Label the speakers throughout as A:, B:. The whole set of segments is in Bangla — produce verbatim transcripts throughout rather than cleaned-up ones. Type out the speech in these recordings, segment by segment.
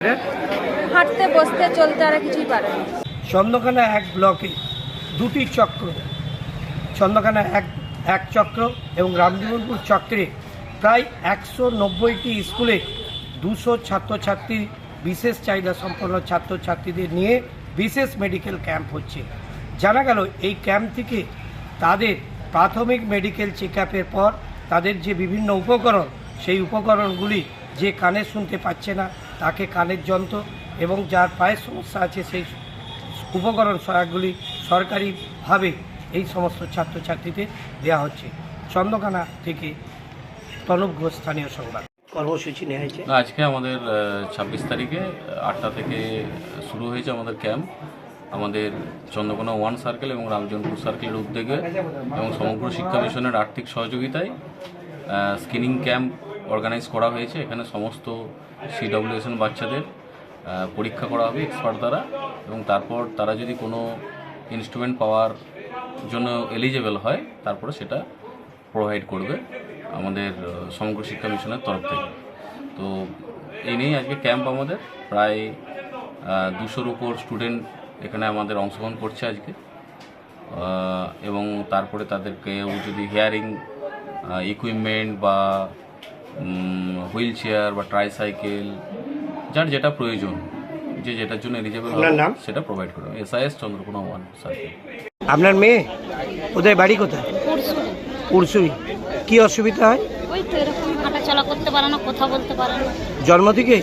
A: হাঁটতে বসতে চলতে আর কিছুই পারে না।
B: চন্দ্রকোনা এক ব্লকে দুটি চক্র, চন্দ্রকোনা এক এক চক্র এবং রামজীবনপুর চক্রে প্রায় একশো নব্বইটি স্কুলে দুশো ছাত্রছাত্রী বিশেষ চাহিদা সম্পন্ন ছাত্রছাত্রীদের নিয়ে বিশেষ মেডিকেল ক্যাম্প হচ্ছে। জানা গেল এই ক্যাম্প থেকে তাদের প্রাথমিক মেডিকেল চেক আপের পর তাদের যে বিভিন্ন উপকরণ, সেই উপকরণগুলি যে কানে শুনতে পাচ্ছে না তাকে কানের যন্ত্র এবং যার পায়ের সমস্যা আছে সেই উপকরণ সহায়কগুলি সরকারিভাবে এই সমস্ত ছাত্রছাত্রীদের দেওয়া হচ্ছে। চন্দ্রকোনা থেকে তনুপ ঘোষ, স্থানীয় সংবাদ। কর্মসূচি নেওয়া হয়েছে
C: আজকে আমাদের ছাব্বিশ তারিখে আটটা থেকে শুরু হয়েছে আমাদের ক্যাম্প। আমাদের চন্দ্রকোনা ওয়ান সার্কেল এবং রামজীবনপুর সার্কেলের উদ্যোগে এবং সমগ্র শিক্ষা মিশনের আর্থিক সহযোগিতায় স্ক্রিনিং ক্যাম্প অর্গানাইজ করা হয়েছে। এখানে সমস্ত সিডব্লিউএসএন বাচ্চাদের পরীক্ষা করা হবে এক্সপার্ট দ্বারা, এবং তারপর তারা যদি কোনো ইনস্ট্রুমেন্ট পাওয়ার জন্য এলিজেবল হয় তারপরে সেটা প্রোভাইড করবে আমাদের সমগ্র শিক্ষা মিশনের তরফ থেকে। তো এই নিয়েই আজকে ক্যাম্প। আমাদের প্রায় দুশোর উপর স্টুডেন্ট এখানে আমাদের অংশগ্রহণ করছে আজকে, এবং তারপরে তাদেরকে যদি হিয়ারিং ইকুইপমেন্ট বা হুইল চেয়ার বা ট্রাইসাইকেল যার যেটা প্রয়োজন, যে যেটার জন্য এলিজেবল সেটা প্রোভাইড করবে। SIS Chandrakona one circle.
B: আপনার মেয়ে কোথায়, বাড়ি কোথায়? পুরসুই। কি অসুবিধা হয়?
D: ওই তো এরকম হাঁটাচলা করতে পারে না, কথা বলতে পারে না।
B: জন্ম থেকে?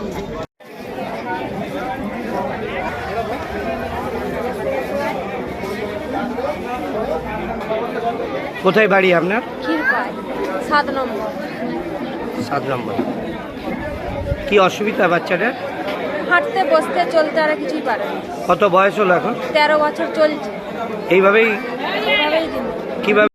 B: কোথায় বাড়ি আপনার?
A: ক্ষীরপাই, সাত নম্বর।
B: সাত নম্বর। কি অসুবিধা বাচ্চাটার?
A: হাঁটতে বসতে চলতে আর কিছুই পারে না।
B: কত বয়স হলো এখন?
A: তেরো বছর চলছে।
B: এইভাবেই
A: এইভাবেই দিন।
B: কিভাবে